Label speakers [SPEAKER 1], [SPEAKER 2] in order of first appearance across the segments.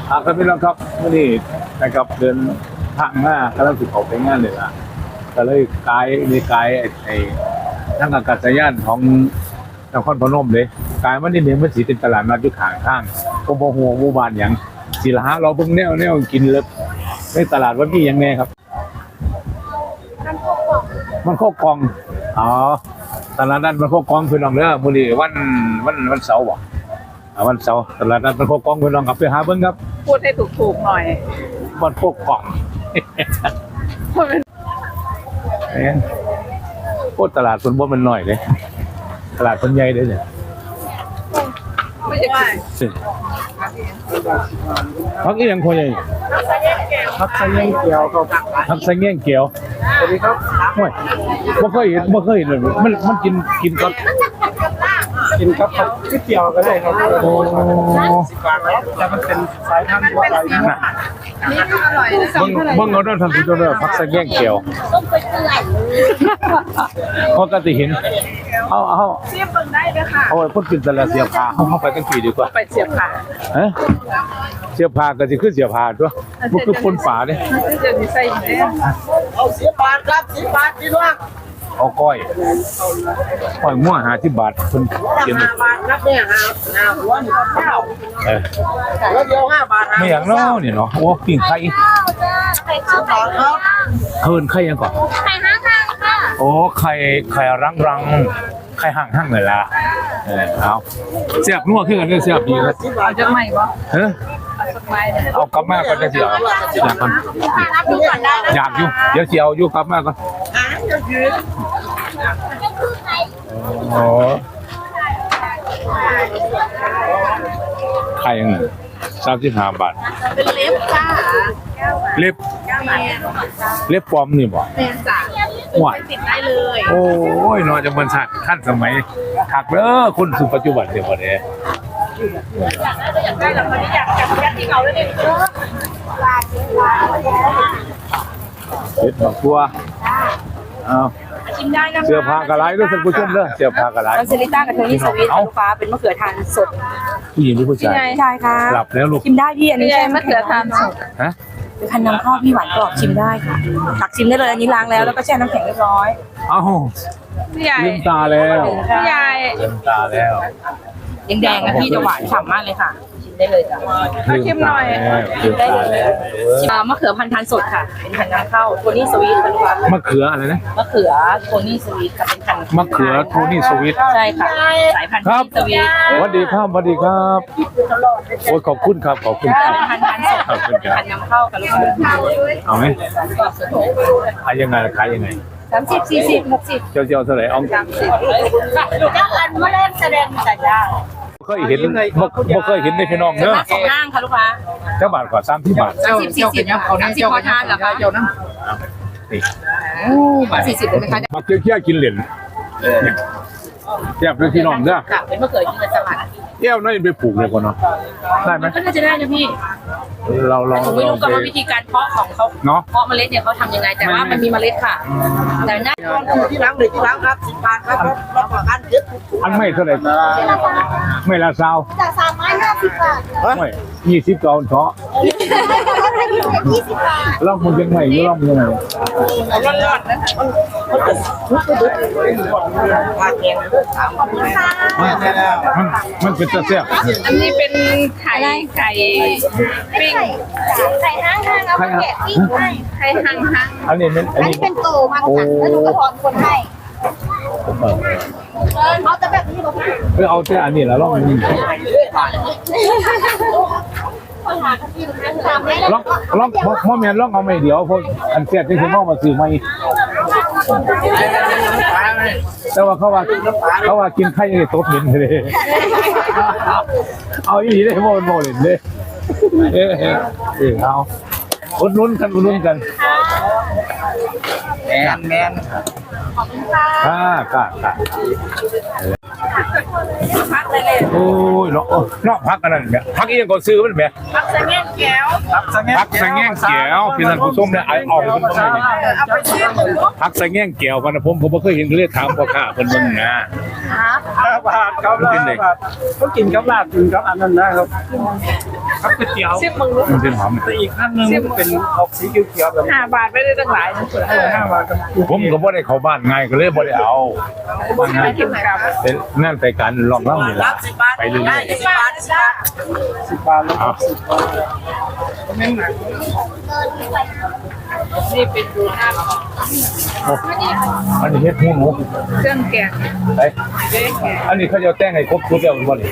[SPEAKER 1] ครับพี่น้องครับวันนี้นะครับเดินทางหน้ากำลังสิบออกไปงานเลยนะก็เลยกายมีกายไอ้ทางอากาศยานของนครพนมเลยกายมันนี่เนี่ยมันสีเป็นตลาดนัดอยู่ข้างข้างก็บ่หัวหมู่บ้านอย่างศิลาเราเบิ่งแนวกินเลยในตลาดวันนี้ยังไงครับมันโคกองอ๋อตลาดนัดมันโคกองพี่น้องเด้อมื้อนี้วันเสาร์บ่วันเสาร์ตลาดนัดมันโคกองพี่น้องครับไปหาเบิ่งครับ
[SPEAKER 2] พูดให้ถูกๆหน่อย
[SPEAKER 1] มันโคกองโคตรตลาดคนบ่มันน้อยเลยตลาดคนใหญ่เลยเนี่ย
[SPEAKER 2] ไม่ใช่
[SPEAKER 1] พักอีหยังคนใหญ่
[SPEAKER 3] พักใส่แยงเกียวครับ
[SPEAKER 1] พักใส่แง่งเกียว
[SPEAKER 3] สวัสดีครับ
[SPEAKER 1] โอ้ยบ่เคยเห็นเลยมันกินก่อน
[SPEAKER 3] กินครับก๋วยเตี๋ยวก็ได้ครับ
[SPEAKER 1] โอ้
[SPEAKER 3] 10 บาทครับแต่มันเป็นสายพันธุ์ทั่วไปนะ
[SPEAKER 2] นี่ก็อร่อยนะ
[SPEAKER 1] เบิ่งเอาเด้อท่านผู้ชมเด้อพักใส่แง่งเกียวเขาก็สิเห็นเอา
[SPEAKER 2] เสียบเบิ่งได้เลยค่ะ
[SPEAKER 1] เอาไว้พุ่นกินแต่ละเสียผ้าเข้าไปตั้งกี่ดีกว่า
[SPEAKER 2] ไปเสียบค่ะ
[SPEAKER 1] ฮะเสียผ้าก็สิคือเสียผ้าตัวมันคือคนฝาเด้
[SPEAKER 2] จะมีใส่แน่
[SPEAKER 3] เอา10 บาทครับ10 บาทพี่น้อง
[SPEAKER 1] เอาก้อยมั่ว50 บาทเพิ่นเขียน
[SPEAKER 3] 5 บาทครับเนี่ย5หัวนี่ข้าวแล้วเดียว5 บาท
[SPEAKER 1] ไม่อย่างน้อนี่เนาะโอ้ปิ้งไข่
[SPEAKER 3] ไข่ข้าวครับ
[SPEAKER 1] เฮินไข่ยังก่อน
[SPEAKER 2] ไข่ห้างค่ะ
[SPEAKER 1] โอ้ไข่รังไข่ห่างเลยล่ะเอาเสียบนัวขึ้นกันเสียบดีครับ
[SPEAKER 2] เอาจะใหม่ปะ
[SPEAKER 1] เฮ้ยเอากลับมาก่อนจะเสียอยากก่อนอยากอยู่เดี๋ยวเสียวอยู่กลับมาก่อนโอ้ไข่ยังไง35 บาท
[SPEAKER 2] เป็นเล็บค่ะ
[SPEAKER 1] เล็บปลอมนี่บ่
[SPEAKER 2] แม่จ๋า
[SPEAKER 1] หวาน
[SPEAKER 2] ติดได้เลย
[SPEAKER 1] โอ้ยนอนจะมันสัตว์ขั้นสมัยขักเด้อคนสู่ปัจจุบันเดี๋ยวบ่ได้
[SPEAKER 2] อยากได้แล้วมันอยากจับที่เขาเลย
[SPEAKER 1] เฮ็ดบักตัวเอา
[SPEAKER 2] ชิมได้นะคะ
[SPEAKER 1] เสื้อผ้ากระไรด้วยท่านผู้ชมเด้อเสื้อผ้ากระไร
[SPEAKER 2] เซริต้ากับโทนี่สวีทลูกค้าเป็นมะเขือทานสด
[SPEAKER 1] ผู้หญิงหรือผู้ชาย
[SPEAKER 2] ใช่ค่ะ
[SPEAKER 1] กลับแล้วลูก
[SPEAKER 2] ชิมได้พี่อันนี้ใช่มะเขือทานสด
[SPEAKER 1] ฮะ
[SPEAKER 2] เป็นพันน้ำข้าวพี่หวานกรอบชิมได้ค่ะตักชิมได้เลยอันนี้ล้างแล้วแล้วก็แช่น้ำแข็งเรียบร้อย
[SPEAKER 1] เอ้า
[SPEAKER 2] พี่ใหญ่
[SPEAKER 1] ลืมตาแล้ว
[SPEAKER 2] พี่ใหญ่
[SPEAKER 1] ลืมตาแล้ว
[SPEAKER 2] แดงๆนะพี่จะหวานฉ่ำมากเลยค่ะชิมได้เลยจ้ะชิมหน่อย
[SPEAKER 1] ชิมได้เลย
[SPEAKER 2] มะเขือพันธุ์ทานสดค่ะเป็นพันน้ำข้าวโทนี่สวีทเป็นค่ะ
[SPEAKER 1] มะเขืออะไรนะ
[SPEAKER 2] มะเขือโทนี่สวีทกับเป็นพัน
[SPEAKER 1] มะเขือโทนี่สวีท
[SPEAKER 2] ใช่ค่ะสายพันธุ์สวีท
[SPEAKER 1] สวัสดีครับสวัสดีครับโอ้ยขอบคุณครับขอบคุณครับ
[SPEAKER 2] พันธุ์ทานสดพันน้ำข้าวกับลูกค้า
[SPEAKER 1] เอาไหมขายยังไงขายยังไง
[SPEAKER 2] 30 40 60
[SPEAKER 1] เจ้าเท่าไหร่เอา
[SPEAKER 2] เจ้าอันมาเล่นแสดงสัญญา
[SPEAKER 1] เคยเห็นบ่เคยเห็นในพี่น้องเนอะ
[SPEAKER 2] สองห้างค่ะลูกค้า
[SPEAKER 1] เจ้าบาทกว่า30 บาท
[SPEAKER 2] 30 40เอา30พอทานเหรอคะเจ้านะ
[SPEAKER 1] นี่
[SPEAKER 2] บาท40ได้ไหมคะ
[SPEAKER 1] มาเคี่ยวกินเหรียญแซ่บด้วยพี่น้องเด้อ
[SPEAKER 2] เป็นมะเขือกินกับสลัด
[SPEAKER 1] แก้วน้อยไปปลูกเลยก่อนเนาะได้ไหม
[SPEAKER 2] ก็น่าจะได้นะพี่
[SPEAKER 1] เรา
[SPEAKER 2] ผมไม่รู้กันว่าวิธีการเพาะของเขาเพาะเมล็ดเนี่ยเขาทำยังไงแต่ว่ามันมีเมล็ดค่ะแต่น่า
[SPEAKER 3] ที่ล้างเลยที่ล้างครับ10 บาทครับรับประกัน
[SPEAKER 1] อันไม่เท่าไหร่ไม่ละซาว
[SPEAKER 4] จาก350 บาท
[SPEAKER 1] ไม่20 กว่าเถาะ
[SPEAKER 4] 20 บาท
[SPEAKER 1] ลองมันยังไงอยู่ลองยังไง
[SPEAKER 2] ร้อนๆนะ
[SPEAKER 1] มันเป็นตะแซ่บ
[SPEAKER 2] อันนี้เป็นไข่ปิ้ง
[SPEAKER 4] ไข่ห้างเอามาแกะปิ้งให้
[SPEAKER 2] ไข่ห้าง
[SPEAKER 4] อันนี้เป็นโตมาค่ะแล้วหนูก็ถอนคนให้เอาแต่แบบนี้บอก
[SPEAKER 1] พี่เอาแต่อันนี้แล้วลองนี่ลองพ่อแม่ลองเอาไม่เดี๋ยวพวกอันเสียที่คุณพ่อมาซื้อมาแต่ว่าเขาว่ากินไข่ยังตบหินเลยเอาอีได้โมเลยเลยเอาอุดนุ่นกัน
[SPEAKER 3] แมน
[SPEAKER 4] ขอบคุณค่ะ
[SPEAKER 1] โอ้ยเนาะพักอันนั้นเนี่ยพักอีกอย่างก่อนซื้อมันแบบ
[SPEAKER 2] พักสะแง่งแก้ว
[SPEAKER 1] พักสะแง่งแก้วพี่ท่านผู้ชมเนี่ยเอาไปเป็นต้นเลย
[SPEAKER 2] เอาไปชิม
[SPEAKER 1] พักสะแง่งแก้วพันธุ์ผมไม่เคยเห็นเขาเรียกถามพ่อข้าเพิ่นเบิ่งนะ
[SPEAKER 3] บาทครับลาบาทเขากินกับลาบกินกับอันนั้นนะครับครับก๋วยเตี๋ยว
[SPEAKER 2] ซิมมึงรู้
[SPEAKER 1] มันเป็นหอม
[SPEAKER 3] แต่อีกอันนึงเป็นออกสีเขียวๆแบบ
[SPEAKER 2] 5 บาทไม่ได้ตั้งหลาย
[SPEAKER 3] 5 บาทกับ
[SPEAKER 1] ผมก็บ่ได้เข้าบ้านง่ายก็เลยบ่ได้เอาบ้านง่าย
[SPEAKER 2] กินกับ
[SPEAKER 1] เป็นนั่นไปการลองล่ำนี่ล่ะไปเรื่อย
[SPEAKER 2] 10 บาท
[SPEAKER 3] 10 บาทแล้ว
[SPEAKER 1] ๆเอา
[SPEAKER 3] ไม่หนัก
[SPEAKER 2] นี่เป็นดูหน้าของ
[SPEAKER 1] โอ้อันนี้เฮ็ดหูหนู
[SPEAKER 2] เครื่องแกง
[SPEAKER 1] ไปอันนี้เขาจะแต่งให้ครบชุดแล้วบ่นี่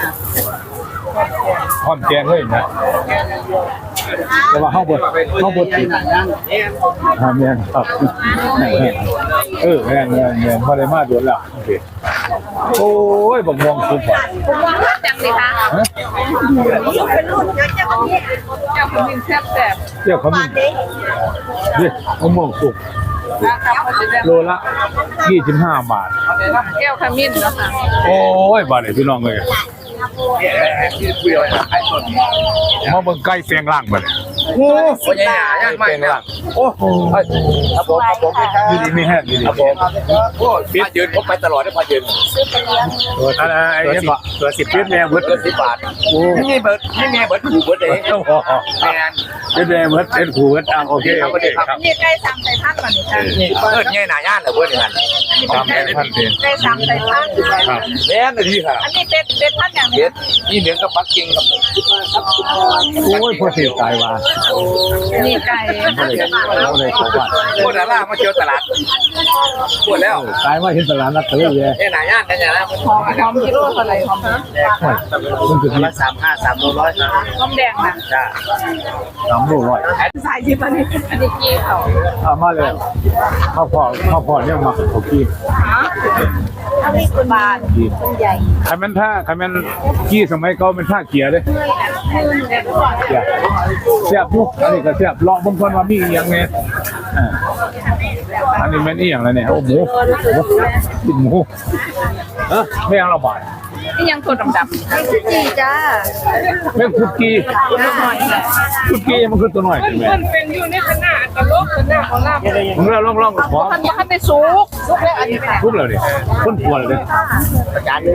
[SPEAKER 1] พร้อมแกงเลยนะแต่ว่าเฮาบ่ติดแม่นครับแม่นบ่ได้มาโดนแล้วโอเคโอ้ยบักม่วงสุกว่ะ
[SPEAKER 2] จังเลยค่ะ
[SPEAKER 1] ฮะ
[SPEAKER 2] เจ้าคนนึงแซ่บ
[SPEAKER 1] เดี๋ยวเขามีนี่บักม่วงสุก
[SPEAKER 2] นะครับเขาจะได้
[SPEAKER 1] โลละ25 บาท
[SPEAKER 2] แก้วขมิ้นแล้วค่ะ
[SPEAKER 1] โอ้ยบาดนี้พี่น้องเอ้ยมาเบิ่งไก่แปลงร่างบัดนี้
[SPEAKER 3] โอ้ยใหญ่ๆยากมาก
[SPEAKER 1] แปลงร่าง
[SPEAKER 3] โอ้ครับผม
[SPEAKER 1] อยู่ดีมีแห้งอยู่ดี
[SPEAKER 3] ครับผมโอ้พายืนผมไปตลอดได้พายืน
[SPEAKER 1] อะไรไอ้เนี่ยบ่ตัว10ปีแม่เบิด
[SPEAKER 3] เกิน10 บาทไม่มีเบิร์ดถูกเบิร์ดเองแมน
[SPEAKER 1] เป็นแม่เบิดเป็นครูเบิดโอเคครับ
[SPEAKER 2] นี่ไก่ซ้ำใส่ผักก่อนนี่ค่ะ
[SPEAKER 3] นี่เบิร์ดง่ายหนาย่านเหรอเบิร์ดอย่างนั้น
[SPEAKER 1] ตามแม่ท่านเอง
[SPEAKER 2] ไก่ซ้ำใส่ผัก
[SPEAKER 1] ครับ
[SPEAKER 3] แม่นเลยที่ค่ะ
[SPEAKER 2] อันนี้เป็ดพันอย่าง
[SPEAKER 3] เบ็ดนี่เหนือกับปักกิ่งครับ
[SPEAKER 1] โอ้ยพอเสียตายว่า
[SPEAKER 2] นี่ไก่
[SPEAKER 1] บ่ได้เข้าบ้าน
[SPEAKER 3] พวกดารามาเที่ยวตลาดปวดแล้ว
[SPEAKER 1] ตายว่าเห็นตลาดนัดทะเลเลย
[SPEAKER 3] ง่ายหนาย่านกันอย่างนั้น
[SPEAKER 2] หอมกิโลเท่าไหร่หอม
[SPEAKER 1] มันคือที่
[SPEAKER 3] ละ35 300ครับ
[SPEAKER 2] หอมแดงนะ
[SPEAKER 3] จ้า
[SPEAKER 1] 3โลร้อย
[SPEAKER 2] สายที่มันอันนี้กี้เขา
[SPEAKER 1] เอามาเลยข้าวพอเนี่ยมาเขากิน
[SPEAKER 2] อันนี้คุณบาท
[SPEAKER 1] กินใครมันกี้สมัยเก่าเป็นท่าเกียร์เด้เสียบยุกอันนี้ก็เสียบเลาะบางคนว่ามีอย่างไงอันนี้แม่นอีหยังแล้วเนี่ยโอ้หมูกินหมูไม่เอาละบาท
[SPEAKER 2] นี่ยังตัวดำๆ
[SPEAKER 4] จีจ้า
[SPEAKER 1] แม่คุกกี้มันคือตัวหน่อยใช่ไหม
[SPEAKER 2] มันเป็นอยู่ในขนาดตลกขนาดของลาบ
[SPEAKER 1] มึงเล่าล่องขอ
[SPEAKER 2] มันบ่ทันได้สุกแล้วอันนี้ค่ะ
[SPEAKER 1] ทุบเลยดิคนกลัวเลยดิ
[SPEAKER 3] จานนึง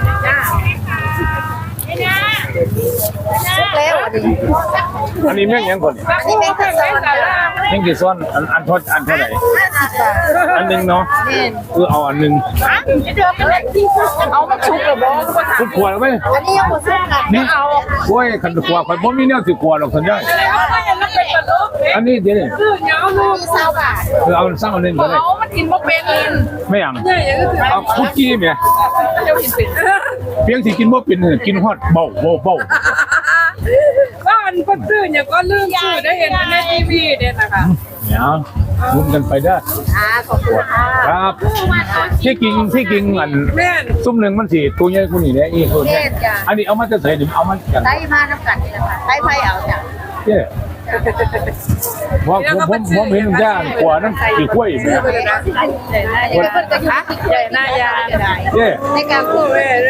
[SPEAKER 4] สุกแล้วอันนี้
[SPEAKER 1] อันนี้แม่งยังก่อน
[SPEAKER 4] อันนี้แม่งขัดซ้อนจ้า
[SPEAKER 1] แม่งกี่ซ้อนอันเท่าไหร่
[SPEAKER 4] 50 บาท
[SPEAKER 1] อันหนึ่งเนาะคือเอาอันหนึ่ง
[SPEAKER 2] เอามันสุกแล้วบ่
[SPEAKER 1] คุณกลัวไหม
[SPEAKER 4] อันนี้ยังหมดสุกค่ะ
[SPEAKER 1] นี่โอ้ยขันกลัวขันผมมีแนวสิกลัวหรอกสัญญาอันนี้เดี๋ยวนี่
[SPEAKER 4] มี20 บาท
[SPEAKER 1] คือเอาสร้างอันหนึ่งก็ได้
[SPEAKER 2] เอามันกินบ่เป็น
[SPEAKER 1] ไม่อย่างเอาคุกกี้เนี่ย
[SPEAKER 2] เดี๋ยวกินเป็น
[SPEAKER 1] เพียงสิกินบ่เป็นกินฮอดเบา
[SPEAKER 2] ว่ามันก็ซื้อเนี่ยก็ลืมซื้อได้เห็นในทีวีเนี่ยนะคะ
[SPEAKER 1] เนี่ยลุ้นกันไปได้
[SPEAKER 4] ขอบคุณค่ะ
[SPEAKER 1] ครับที่กินอัน
[SPEAKER 2] แม่น
[SPEAKER 1] ซุ่มหนึ่งมันสิตัวใหญ่กว่านี้แหละอีกคนเนี่ยอันนี้เอามาจะใส่ดิเอามากัน
[SPEAKER 4] ได้มาน้ำกันนี่แหละค่ะได้ไพ่เอาจ้ะ
[SPEAKER 1] เจ้ว่าผมเห็นย่างกว่านั้นกี่กล้วยเนี่ย
[SPEAKER 4] อันนี้เพิ่นก็อยู่ที่
[SPEAKER 2] ใหญ่หน้ายา
[SPEAKER 1] เจ้
[SPEAKER 4] ในการพูด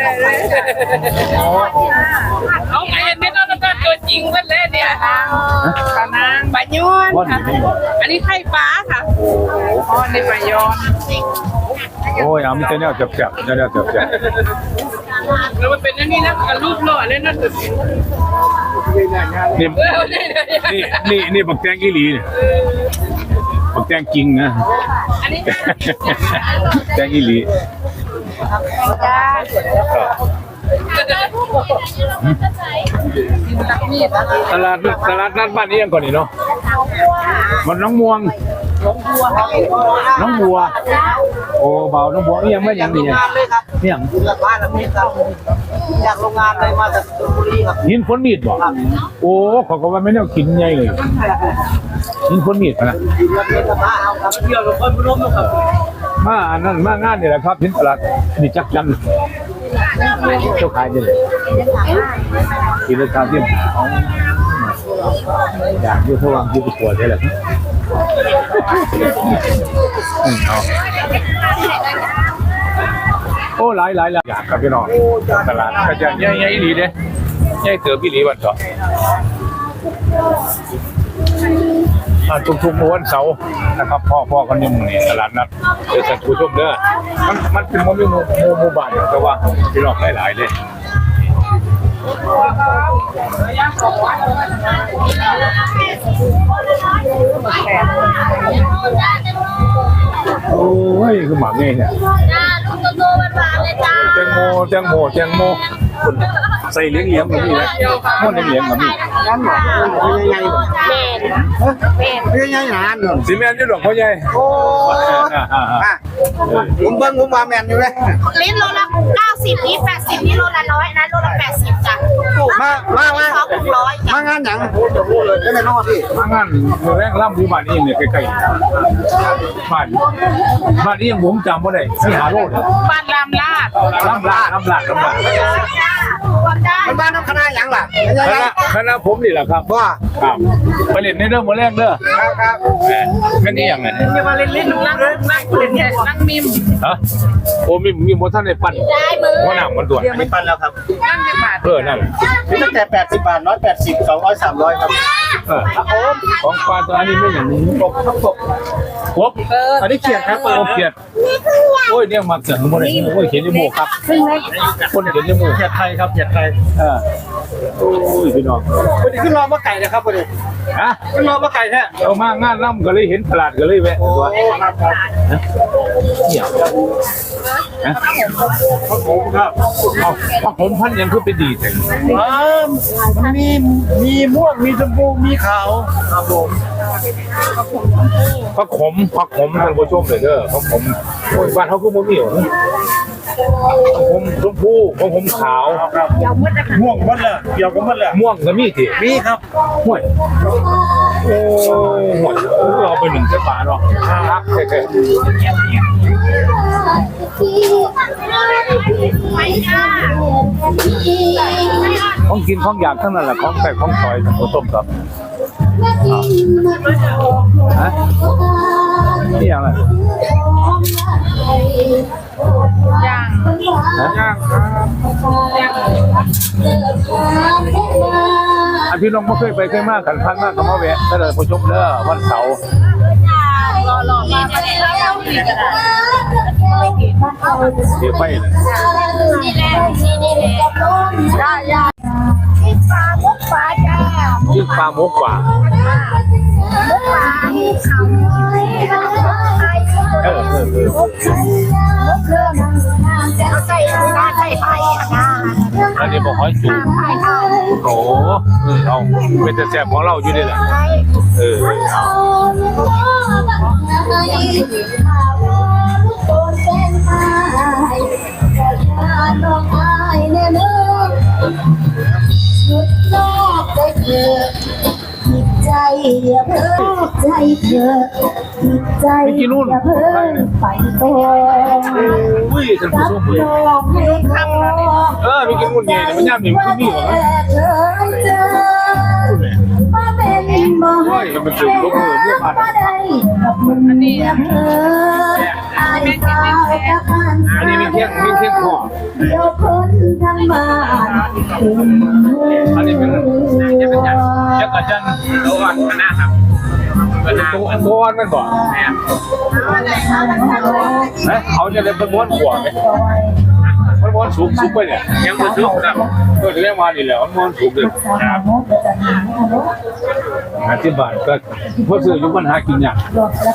[SPEAKER 2] เอาไงเนี่ยต้องตัวจริงเพิ่นเลยเนี่ยปานางปะยอนค่ะอันนี้ไข่ปลาค่ะอ๋อในปะยอน
[SPEAKER 1] โอ้ยเอามันจะเนี่ยจับเนี่ยจับ
[SPEAKER 2] แล้วมันเป็นอันนี้นะรูปหล่อเลยนะสุด
[SPEAKER 1] นี่บักแตงอีหลีเนี่ยบักแตงจริงนะ
[SPEAKER 2] อันนี้
[SPEAKER 1] แตงอีหลี
[SPEAKER 2] จ้า
[SPEAKER 1] ตลาดนัดบ้านนี้ยังก่อนนี่เนาะมันน้องม่วงน้องบัวโอ้เบาน้องบัวนี่ยังไม่ยังนี่ยังนี่ยัง
[SPEAKER 3] จากบ้านแล้วพี่ครับจากโรงงานเลยมาจากชลบุรีครับ
[SPEAKER 1] หินฝนมีดบ่โอ้ขอก็ว่าไม่แนวกินใหญ่เลยหินฝนมีดนะ
[SPEAKER 3] เรื่องมาเอาครับเที่ยวกับคนร่วมครับ
[SPEAKER 1] มาอันนั้นมางานนี่แหละครับหินตลาดนี่จักจันเจ้าขายยังไงกินราคาที่อยากอยู่ทว่างอยู่ปวดได้แหละเอาโอ้หลายอยากกับพี่น้องตลาดก็จะใหญ่ๆดีเด้ใหญ่เติบพี่หลีวันเถาะทุกๆวันเสาร์นะครับพ่อกันยังนี่ตลาดนัดเดี๋ยวท่านผู้ชมเด้อมันเป็นหมู่บ้านแต่ว่าพี่น้องหลายๆเลยโอ้ยคือหมาเงี้ยเนี่ย
[SPEAKER 4] จ้าลูกโตๆหวานๆเลยจ้า
[SPEAKER 1] แตงโมใส่เลี้ยงกับนี่นะม้วนเลี้ยงกับนี่
[SPEAKER 3] นั่นหรอยังไง
[SPEAKER 4] เป็น
[SPEAKER 3] ยังไงนานหรอ
[SPEAKER 1] ซีเมนต์อยู่หลวงพ่อใหญ่
[SPEAKER 3] โอ้ผมเบิ้งผมว่าแมนอยู่เลย
[SPEAKER 4] ลิ้นโลละ90นี่80นี่โลละ100นะโลละ80จ้ะถูก
[SPEAKER 3] มา
[SPEAKER 4] ซอง600จ้ะ
[SPEAKER 3] มางานหยังได้ไหมน้องพี่
[SPEAKER 1] มางานแรงล่ำที่บ้านนี้เนี่ยใกล้ๆบ้านนี้ยังผมจำว่าได้ที่หาโลด
[SPEAKER 2] บ้านรามลาด
[SPEAKER 1] ล่ำลาด
[SPEAKER 3] มันบ้านน้ำคณะหยังล่ะยังไง
[SPEAKER 1] คณะผมนี่แหละครับ
[SPEAKER 3] ว่า
[SPEAKER 1] ครับไปเล่นในเรื่องโมแรงเด้อ
[SPEAKER 3] ครับ
[SPEAKER 1] แค่นี้อย่างไร
[SPEAKER 2] อย่ามาเล่นนั่งเล่นเนี่ยนั่งมิม
[SPEAKER 1] ฮะโอ้มีโมท่านในปั่นหัวหน้ามันด่วน
[SPEAKER 3] ไม่ปันแล้วครับ
[SPEAKER 2] นั่งจะบาท
[SPEAKER 1] นั่น
[SPEAKER 3] มีตั้งแต่80 บาท180 200 300ครับ
[SPEAKER 1] ของปลาตัวนี้ไม่อย่างนี้กบอันนี้เขียดครับเขียดโอ้ยเนี่ยมาเกิดโมเลยโอ้ยเขียนจมูกครับคนเขียนจมูก
[SPEAKER 3] เขียดไทยครับเขียดไทย
[SPEAKER 1] โอ้ยพี่น้อง
[SPEAKER 3] วันนี้ขึ้นรอมาไก่นะครับวันนี้
[SPEAKER 1] ฮะ
[SPEAKER 3] ขึ้นรอมาไก่แท้
[SPEAKER 1] เอามางานล่ำก็เลยเห็นตลาดก็เลยแวะตัว
[SPEAKER 3] ครับครับ
[SPEAKER 1] เนี่ยฮะ
[SPEAKER 3] ครับผมครับ
[SPEAKER 1] เอาผักผมพันยังคือเป็นดีแต่
[SPEAKER 3] มันมีม่วงมีชมพูมีขาวครับผม
[SPEAKER 1] ผักขมท่านผู้ชมเลยเด้อผักขมโอ้ยบ้านเขาคือโมมี่เหรอผักขมชมพูผักขมขาว
[SPEAKER 3] ม่วงหมดเลยเกี่ยวกันหมดเลย
[SPEAKER 1] ม่วงก็มีที
[SPEAKER 3] มีครับ
[SPEAKER 1] ห่วยโอ้ห่วยเราไปหนึ่งเส้นบาทเนาะครับแค่ของกินของอยากทั้งนั้นแหละของแปลกของซอยท่านผู้ชมครับฮะนี่อย่างไร
[SPEAKER 2] ย่าง
[SPEAKER 1] ย่างอันพี่น้องไม่เคยไปเคยมากกันพันมากกับมาแวะถ้าเลยผู้ชมเด้อวันเสาร์
[SPEAKER 4] รอมาไม่ได้แล้วนี่ก็ได้
[SPEAKER 1] เดี๋ยวไปเลย
[SPEAKER 4] นี่แหละได้ที่ปลามุกปลาจ้า
[SPEAKER 1] ยิ่งปลาหมกกว่า
[SPEAKER 4] มุกปลามุกเขามุกเครื่องเอาใส่ไข่ไข่นะ
[SPEAKER 1] อันนี้บอกหอยจูบ
[SPEAKER 4] ไข่ไข่
[SPEAKER 1] โอ้เอาเป็นแต่แสบของเราอยู่นี่แหละเอา
[SPEAKER 5] ใจอย่าเพิ่งใจเธอใจอย่าเพิ่งไปโต
[SPEAKER 1] อุ้ยท่านผู้ชมเลย
[SPEAKER 5] ให้ทำ
[SPEAKER 1] มีกินนู่นไงแต่มันย่ำหนิมันคือนี่เหรอ
[SPEAKER 5] เธอเจอมาเป็นบ่ให้อันนี้เธออายสาวตะการ
[SPEAKER 1] อันนี้มีเที่ยงคอ
[SPEAKER 5] เดี๋ยวคนทางบ้าน
[SPEAKER 1] อันนี้เป็นยักษ์อาจารย์ตัวอ่อนคณะครับตัวอ่อนมันบ่เขาจะเลยเป็นม้วนขวบไหมมันม้วนสูงไปเนี่ยยังม้วนสูงนะก็จะเรียกมาดีแล้วมันม้วนสูงเลยที่บ้านก็เพื่อซื้อยุปัญหากินอย่าง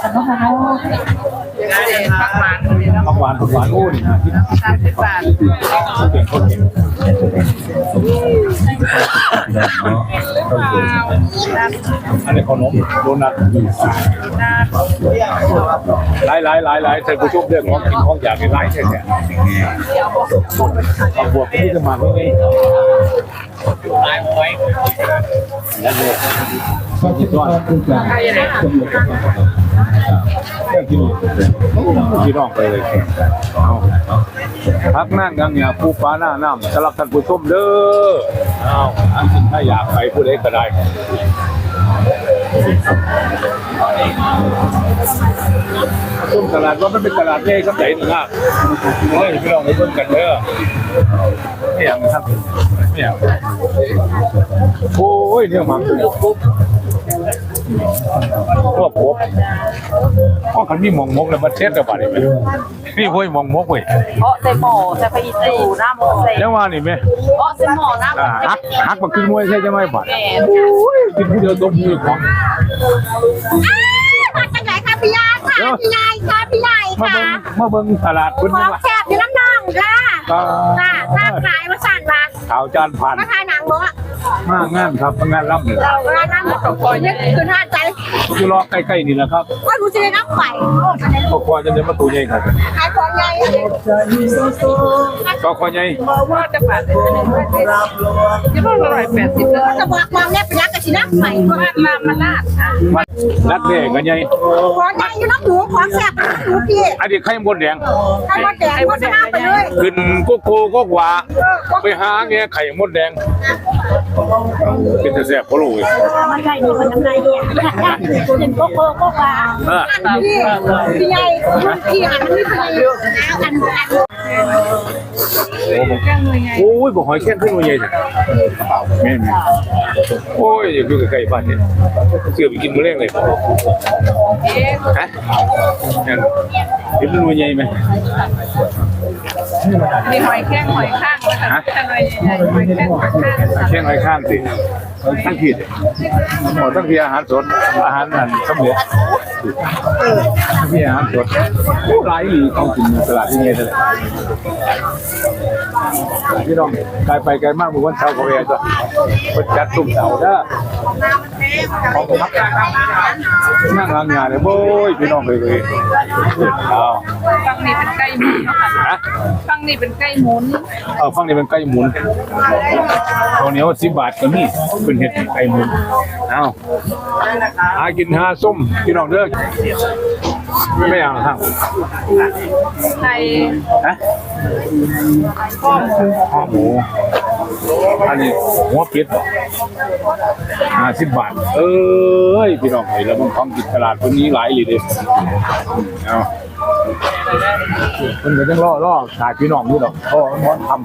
[SPEAKER 2] ผักหวาน
[SPEAKER 1] ผักหวานโอ้นี่นะที่
[SPEAKER 2] 30 บาท
[SPEAKER 1] เก่งคนเก่งอันนี้ขนมโดนัทหลายท่านผู้ชมเรื่องของกินของอยากในไลฟ์แท้ๆบวกที่จะมาไม่ได้แล้วเนี่ยก็คิดว่าเรื่องที่น้องไปเลยพักนั่งยังเนี่ยผู้ฟ้าหน้าน้ำสำหรับท่านผู้ชมเด้อเอาอันสิ่งถ้าอยากไปผู้ใดก็ได้ต้นตลาดว่ามันเป็นตลาดเล่ครับใหญ่หนึ่งอ่ะโอ้ยพี่น้องไปเบิ่งกันเด้อนี่อย่างครับเนี่ยโอ้ยเนี่ยมันพวกผมก็คันมีหมองมกแล้วมาเช็ดระบาดนี่ไหมนี่ห้วยหมองมกเว้ย
[SPEAKER 2] เพราะใส่หม้อใส่ไปอีตู่หน้าหม้อใส่
[SPEAKER 1] แล้วว่านี่ไหม
[SPEAKER 2] เพราะใส่หม้อหน้าหม้อ
[SPEAKER 1] หักมากินมวยใช่ไหมบาด
[SPEAKER 2] แก่
[SPEAKER 1] กินผู้เดียวต้มมือของ
[SPEAKER 4] มาจากไหนคะพี่ยายค่ะพี่ยายค่ะพี่ยาย
[SPEAKER 1] มา
[SPEAKER 4] ค่ะ
[SPEAKER 1] เบิ่งตลาดคุณ
[SPEAKER 4] ขอ
[SPEAKER 1] นี่
[SPEAKER 4] ง
[SPEAKER 1] ว่า
[SPEAKER 4] แซ่บอยู่น้ำนองค่ะค่ะถ้าขายมาสั่นมา
[SPEAKER 1] ข่าวจานผ่าน
[SPEAKER 4] มาถ่ายหนังเนาะ
[SPEAKER 1] มางานครับงานรับนี่
[SPEAKER 4] เราร้านนั้นของคอยนี่คือท่าใจ
[SPEAKER 1] อยู่รอใกล้ๆนี่แหละครับ
[SPEAKER 4] ว่ารู้จะได้น้ำไฟ
[SPEAKER 1] พวกควายจะเดินมาตูใหญ่ครับ
[SPEAKER 4] ขายของใหญ่
[SPEAKER 1] ก็ควายใหญ่
[SPEAKER 2] ว่าจะบาทจะต้อง180แล้ว
[SPEAKER 4] จะบอกความแน่เป็นรักกับชีน้ำไฟ
[SPEAKER 2] บ้านลามาลาดค่ะ
[SPEAKER 1] มันรักเด็กกันใหญ่
[SPEAKER 4] ของใหญ่อยู่น้ำหมูของแซ่บน้ำหมูพี่
[SPEAKER 1] อันนี้ไข่มดแดง
[SPEAKER 4] ให้มาแจกโฆษณาไปเลย
[SPEAKER 1] ขึ้นโกโก้ก็หวาไปหาแง่ไข่มดแดงเป็นแต่แซ่บพะโล้ย
[SPEAKER 4] มันใหญ่ดีมันน้ำลายเนี่ยเห็นโกโก้ก็ว่าพี่ใหญ่พี่หันนี่พี่อัน
[SPEAKER 1] โอ้ยบอกหอยแข้งขึ้นมาใหญ่จ้ะแม่โอ้ยอยู่ใกล้ๆบ้านเนี่ยเสือไปกินมื้อแรกเลยฮะนั่นเห็นมันใหญ่ไหม
[SPEAKER 2] มีหอยแข้งหอยข้างนะคะอะไรใหญ่ๆหอยแข้งหอยข้าง
[SPEAKER 1] แข้งไรข้างสิทั้งผิดหมดทั้งที่อาหารสดอาหารนั่นสำเร็จทั้งที่อาหารสดหลายหลีของกินตลาดที่นี่เลยพี่น้องไกลไปไกลมากเมื่อวันเสาร์ก็ไปจ้ะวันจัดตุ้มเสาร์เด้อของพักนั่งงานเลยโว้ยพี่น้องเลยเอา
[SPEAKER 2] ฟังนี่เป็นไก่หมุนเนาะค่ะฟังนี่เป็นไก่หมุน
[SPEAKER 1] ฟังนี่เป็นไก่หมุนตรงนี้ว่า10 บาทก็มีเป็นเห็ดไก่หมุนเอาหากินหาส้มพี่น้องเด้อไม่เอาครับ
[SPEAKER 2] ไก่
[SPEAKER 1] ฮะข้อหมูอันนี้หัวเป็ด50 บาทเอ้ยพี่น้องเห็นแล้วมันของกินตลาดคนนี้หลายเลยเด้เอามันก็ต้องล่อขายพี่น้องนี่หรอกเพราะมันทำ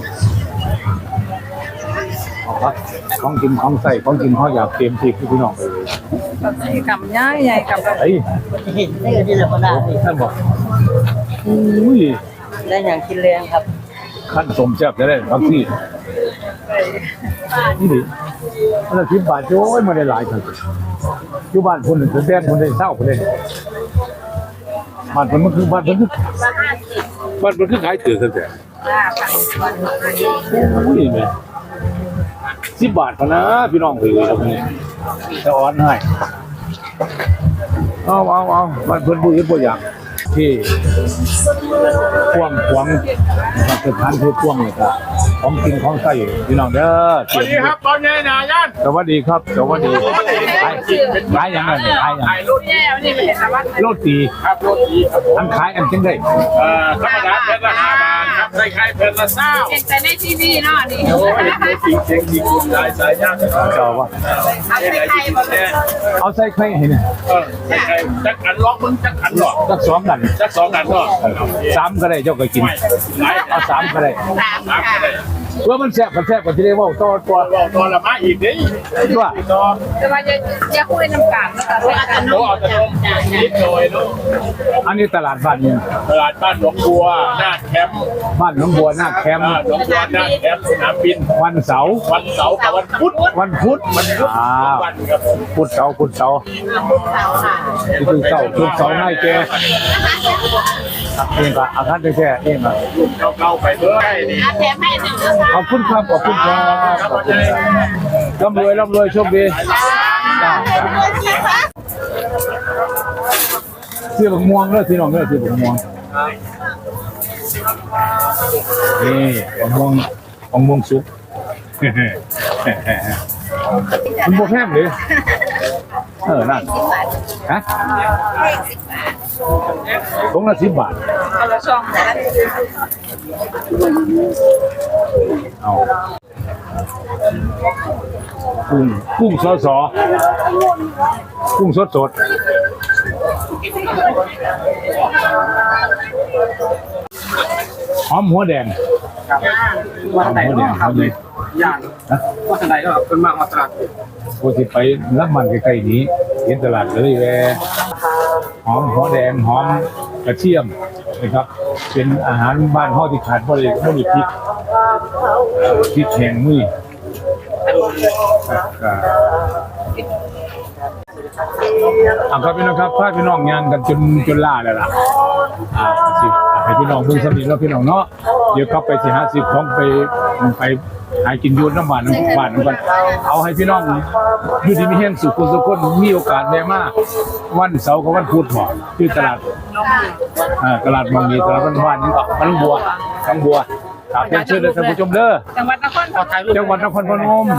[SPEAKER 1] ของกินของใส่ของกินเขาอยากเต็มที่พี่น้องเลย
[SPEAKER 2] กับย่ายใหญ่กับ
[SPEAKER 1] เฮ้ย
[SPEAKER 6] ได้ก็ที่เราก็ได้
[SPEAKER 1] ท่านบอกอุ้ย
[SPEAKER 6] ได้อย่างกินแรงครับ
[SPEAKER 1] ขั้นสมแซ่บจะได้บางที่นี่ดิอันละ10 บาทโอ้ยมาได้หลายครับอยู่บ้านคนหนึ่งคนแดนคนได้เศร้าคนได้บ้านคนมันคือบ้านคนคือบ้านคนคือขายเถื่อนแต่อุ้ยแม่10 บาทพอนะพี่น้องเลยครับนี่จะอ่อนให้เอาบ้านเพิ่นบ่เฮ็ดบ่อยากที่พวงนะครับสถานที่พวงนี่ครับของกินของใช้พี่น้องเด้อสวัสดีครับตอนนี้นะย่านสวัสดีครับสวัสดีขายอย่างนั้นขายอย่าง
[SPEAKER 2] รุ่นแย่นี่เป็นแต่ว่า
[SPEAKER 1] โรตีครับโรตีครับอันขายอันจังได๋
[SPEAKER 3] ธรรมดาเป็นละ5 บาทครับใส่ไข่เป็นละ20
[SPEAKER 2] เห็นแต่ในทีวีเนาะนี่
[SPEAKER 3] โอ้ยจริงจริงจริงคุณนายสายยาก
[SPEAKER 1] เจ้าว่า
[SPEAKER 2] เอาใส่ไข่หมดเลย
[SPEAKER 1] เอาใส่ไข่ให้เนี่ย
[SPEAKER 3] ใส่ไข่จักอันล็อกมึงจักอันหรอก
[SPEAKER 1] สัก2กัน
[SPEAKER 3] จัก2 อันหรอก
[SPEAKER 1] 3ก็ได้เจ้าก็กินเอา3ก็ได้
[SPEAKER 3] 3ก็ได้
[SPEAKER 1] เพื่อมันแซ่บก็สิได้เว้าต่อตัว
[SPEAKER 3] บอกตอนละมาอีกดิ
[SPEAKER 1] ตัว
[SPEAKER 3] ต่อ
[SPEAKER 2] แต่ว่าจะคุยน้ำกันนะคะว่าอัน
[SPEAKER 3] โอ้เอาแต่นมนิดหน่อยลูก
[SPEAKER 1] อันนี้ตลาดบ้านเนี่ย
[SPEAKER 3] ตลาดบ้านหนองบัวหน้าแคมป์
[SPEAKER 1] บ้านหนองบัวหน้าแคมป์
[SPEAKER 3] หนองบัวหน้าแคมป์สนามบิน
[SPEAKER 1] วันเสาร์
[SPEAKER 3] วันเสาร์กับวันพุธ
[SPEAKER 1] วันพุธ อ้าว
[SPEAKER 3] วันครับ
[SPEAKER 1] พุธเสาร์ที่ถึงเสาง่ายแกเองก็อาคารแท้เองอ่ะ
[SPEAKER 3] เก่าๆไปเลยนี่
[SPEAKER 2] แถมให้หนึ่งนะคะ
[SPEAKER 1] ขอบคุณครับขอบคุณครับร่ำรวยโชคดีเสื้อบักม่วงเด้อพี่น้องเด้อเสื้อบักม่วงนี่บักม่วงสุกคุณบ่แพงเลยนั่นฮะตรงละ10 บาท
[SPEAKER 2] เอาละช่องนะ
[SPEAKER 1] เอากุ้งสดกุ้งสดหอมหัวแดงหอมหัวแดงครับเลย
[SPEAKER 3] อย่างว่าทนายก็เป็นมากมาตราด
[SPEAKER 1] โอ้สิไปรับมันใกล้ๆนี้เห็นตลาดเลยแวหอมหัวแดงหอมกระเทียมนะครับเป็นอาหารบ้านเฮาที่ขาดบ่ได้บ่มีพริกพริกแห้งมือครับพี่น้องครับพาพี่น้องงานกันจนล่าแล้วล่ะสิให้พี่น้องเบิ่งสำนีแล้วพี่น้องเนาะเดี๋ยวกลับไปสิ50ของไปหากินอยูน้ำบ้านกันเอาให้พี่น้องอยู่ดีมีแห้งสุขสุขคนมีโอกาสได้มาวันเสาร์กับวันพุธหมอที่ตลาดบางมีตลาดบ้านนี่ก็มันบัวทั้งบัวครับเชิญเลยท่านผู้ชมเด้อ
[SPEAKER 2] จังหวัดนครปฐม
[SPEAKER 1] จังหวัดนครพนม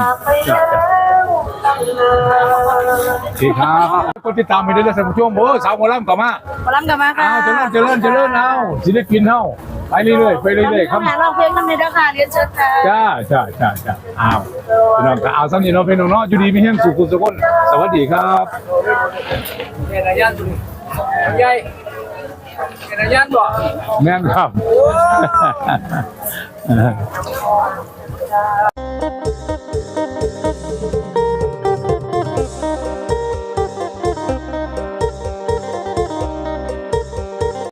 [SPEAKER 1] ดีครับคนติดตามไปเรื่อยๆท่านผู้ชมโอ้สาวโมลัมกลับมา
[SPEAKER 4] พลังกันมาค่ะ
[SPEAKER 1] เจริญเอาศิลปินเฮาไปเรื่อยๆครับ
[SPEAKER 4] ร้องเพลงกันเลยนะคะเรียนเชิญค่ะ
[SPEAKER 1] จ้าอ้าวพี่น้องก็เอาซ้ำนี่เนาะพี่น้องเนาะอยู่ดีมีแห้งสุขสุขคนสวัสดีครับ
[SPEAKER 3] เห็นระยะดูใหญ่เห็นระยะบ่
[SPEAKER 1] แม่นครับ